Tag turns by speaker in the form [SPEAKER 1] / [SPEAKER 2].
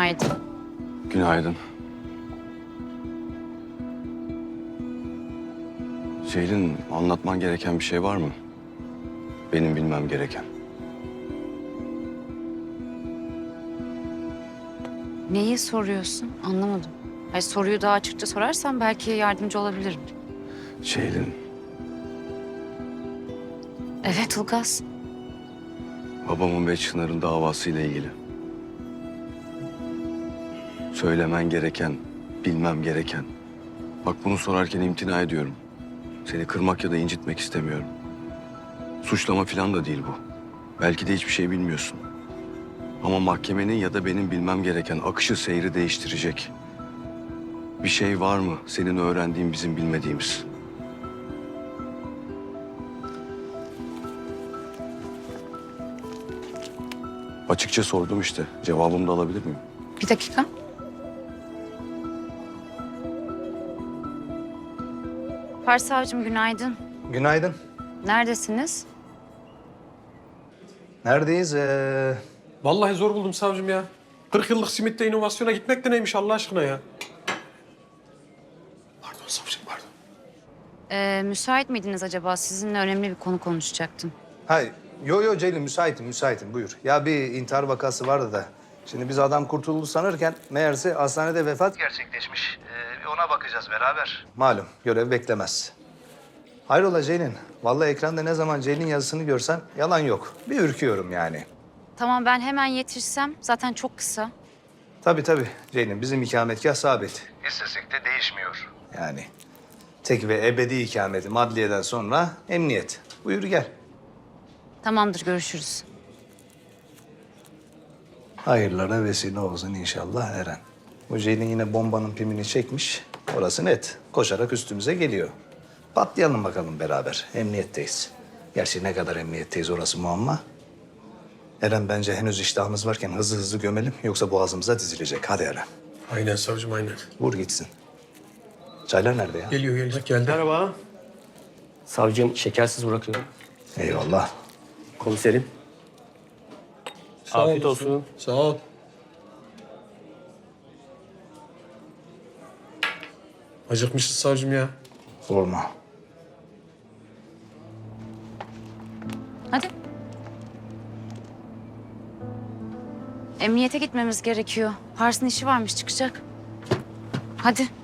[SPEAKER 1] Günaydın.
[SPEAKER 2] Günaydın. Ceylin, anlatman gereken bir şey var mı? Benim bilmem gereken.
[SPEAKER 1] Neyi soruyorsun? Anlamadım. Hayır, soruyu daha açıkça sorarsan belki yardımcı olabilirim.
[SPEAKER 2] Ceylin,
[SPEAKER 1] Evet Ilgaz.
[SPEAKER 2] babamın ve Çınar'ın davasıyla ilgili. Söylemen gereken, bilmem gereken. Bak bunu sorarken imtina ediyorum. Seni kırmak ya da incitmek istemiyorum. Suçlama falan da değil bu. Belki de hiçbir şey bilmiyorsun. Ama mahkemenin ya da benim bilmem gereken akışı seyri değiştirecek. Bir şey var mı senin öğrendiğin bizim bilmediğimiz? Açıkça sordum işte. Cevabımı da alabilir miyim?
[SPEAKER 1] Bir dakika. Savcım günaydın.
[SPEAKER 3] Günaydın.
[SPEAKER 1] Neredesiniz?
[SPEAKER 3] Neredeyiz?
[SPEAKER 4] Vallahi zor buldum savcım ya. 40 yıllık simitte inovasyona gitmek de neymiş Allah aşkına ya. Pardon savcım, pardon.
[SPEAKER 1] Müsait miydiniz acaba? Sizinle önemli bir konu konuşacaktım.
[SPEAKER 3] Hayır. Yo Ceylin müsaitim buyur. Ya bir intihar vakası vardı da. Şimdi biz adam kurtuldu sanırken meğerse hastanede vefat gerçekleşmiş. Ona bakacağız beraber. Malum görev beklemez. Hayrola Ceylin? Vallahi ekranda ne zaman Ceylin yazısını görsem yalan yok. Bir ürküyorum yani.
[SPEAKER 1] Tamam, ben hemen yetişsem. Zaten çok kısa.
[SPEAKER 3] Tabii Ceylin bizim ikametgah sabit. İstesek de değişmiyor. Yani tek ve ebedi ikameti adliyeden sonra emniyet. Buyur gel.
[SPEAKER 1] Tamamdır, görüşürüz.
[SPEAKER 3] Hayırlara vesile olsun inşallah Eren. Bu Ceylin yine bombanın pimini çekmiş. Orası net. Koşarak üstümüze geliyor. Patlayalım bakalım beraber. Emniyetteyiz. Gerçi ne kadar emniyetteyiz orası muamma. Eren bence henüz iştahımız varken hızlı gömelim. Yoksa boğazımıza dizilecek. Hadi Eren.
[SPEAKER 4] Aynen savcım, aynen.
[SPEAKER 3] Vur gitsin. Çaylar nerede ya?
[SPEAKER 4] Geliyor. Geldi. Merhaba.
[SPEAKER 5] Savcım şekersiz bırakıyorum.
[SPEAKER 3] Eyvallah.
[SPEAKER 5] Komiserim. Afiyet olsun.
[SPEAKER 4] Sağ ol. Acıkmışız savcım ya.
[SPEAKER 3] Sorma.
[SPEAKER 1] Hadi. Emniyete gitmemiz gerekiyor. Pars'ın işi varmış, çıkacak. Hadi.